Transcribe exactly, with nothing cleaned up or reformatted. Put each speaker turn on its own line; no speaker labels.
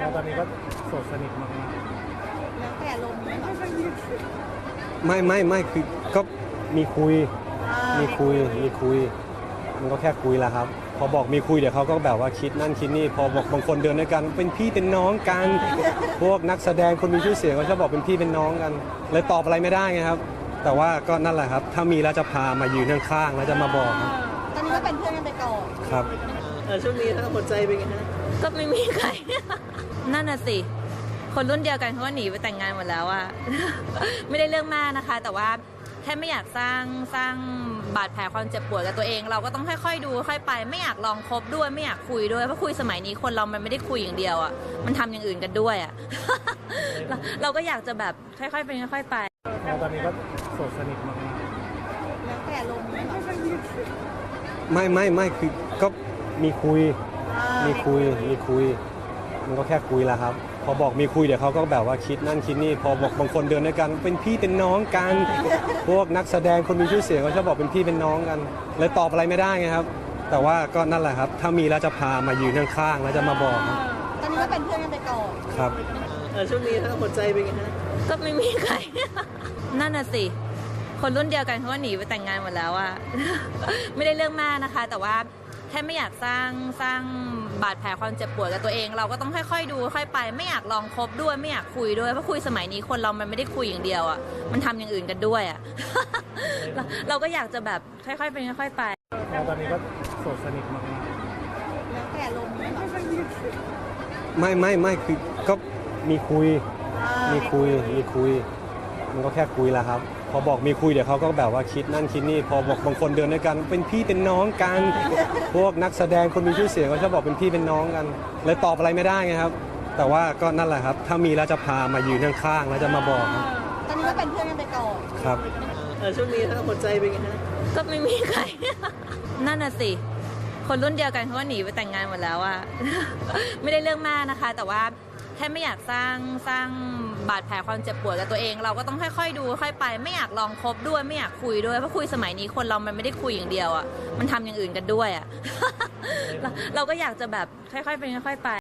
ตอนนี้ก็โสดสนิทมาก
แล้วแต่ลมณ์ไม่ค่อยมี
ไม่ไม่ไม่คือก็มีคุย
อ่า
มีคุยมีคุย มันก็แค่คุยแหละครับ พอบอกมีคุยเดี๋ยวเขาก็แบบว่าคิดนั่นคิดนี่พอบอกบางคนเดินด้วยกันเป็นพี่เป็นน้องกันพวกนักแสดงคนมีชื่อเสียงก็ชอบบอกเป็นพี่เป็นน้องกันเลยตอบอะไรไม่ได้ไงครับ แต่ว่าก็นั่นแหละครับ ถ้ามีแล้วจะพามายืนข้างๆแล้วจะมาบอกครับ
ตอนนี้ก็เป็นเพื่อนกันไปก่อน
ครับ
เออช่วงนี้ถ้าหัวใจเป็นไงฮะ
ก็ไม่มีใคร นั่นน่ะสิ คนรุ่นเดียวกันเขาก็หนีไปแต่งงานหมดแล้วอะ ไม่ได้เรื่องมากนะคะ แต่ว่าแค่ไม่อยากสร้างสร้างบาดแผลความเจ็บปวดกับตัวเอง เราก็ต้องค่อยๆดูค่อยๆไป ไม่อยากลองคบด้วยไม่อยากคุยด้วยเพราะคุยสมัยนี้คนเรามันไม่ได้คุยอย่างเดียวอะมันทำอย่างอื่นกันด้วยอะ เราเราก็อยากจะแบบค่อยๆเป็นค่อยๆไป
ตอนนี้ก็โสดสนิทมาก
แล้วแต่ลมณ์ไม่ค่อยมี
ไม่ไม่ไม่คือก็มีคุย
อ่า
มีคุยมีคุย มันก็แค่คุยแหละครับ พอบอกมีคุยเดี๋ยวเขาก็แบบว่าคิดนั่นคิดนี่พอบอกบางคนเดินด้วยกันเป็นพี่เป็นน้องกันพวกนักแสดงคนมีชื่อเสียงก็ชอบบอกเป็นพี่เป็นน้องกันเลยตอบอะไรไม่ได้ไงครับ แต่ว่าก็นั่นแหละครับ ถ้ามีแล้วจะพามายืนข้างๆแล้วจะมาบอกครับ
ตอนนี้ก็เป็นเพื่อนกันไปก่อน
ครับ
เออช่วงนี้ถ้าหัวใจเป็นไงฮะ
ก็ไม่มีใคร นั่นน่ะสิ คนรุ่นเดียวกันเขาก็หนีไปแต่งงานหมดแล้วอะ ไม่ได้เรื่องมากนะคะ แต่ว่าแค่ไม่อยากสร้างสร้างบาดแผลความเจ็บปวดกับตัวเอง เราก็ต้องค่อยๆดูค่อยๆไป ไม่อยากลองคบด้วยไม่อยากคุยด้วยเพราะคุยสมัยนี้คนเรามันไม่ได้คุยอย่างเดียวอะมันทำอย่างอื่นกันด้วยอะ เราเราก็อยากจะแบบค่อยๆเป็นค่อยๆไป
ตอนนี้ก็โสดสนิทมาก
แล้วแต่ลมณ์ไม่ค่อยมี
ไม่ไม่ไม่คือก็มีคุย
อ่า
มีคุยมีคุย มันก็แค่คุยแหละครับ พอบอกมีคุยเดี๋ยวเขาก็แบบว่าคิดนั่นคิดนี่พอบอกบางคนเดินด้วยกันเป็นพี่เป็นน้องกันพวกนักแสดงคนมีชื่อเสียงก็ชอบบอกเป็นพี่เป็นน้องกันเลยตอบอะไรไม่ได้ไงครับ แต่ว่าก็นั่นแหละครับ ถ้ามีแล้วจะพามายืนข้างๆแล้วจะมาบอกครับ
ตอนนี้ก็เป็นเพื่อนกันไปก่อน
ครับ
เออช่วงนี้ถ้าหัวใจเป็นไงฮะ
ก็ไม่มีใคร นั่นน่ะสิ คนรุ่นเดียวกันเขาก็หนีไปแต่งงานหมดแล้วอะ ไม่ได้เรื่องมากนะคะ แต่ว่าแค่ไม่อยากสร้างสร้างบาดแผลความเจ็บปวดกับตัวเอง เราก็ต้องค่อยๆดูค่อยๆไป ไม่อยากลองคบด้วยไม่อยากคุยด้วยเพราะคุยสมัยนี้คนเรามันไม่ได้คุยอย่างเดียวอะมันทำอย่างอื่นกันด้วยอะ เราเราก็อยากจะแบบค่อยๆเป็นค่อยๆไป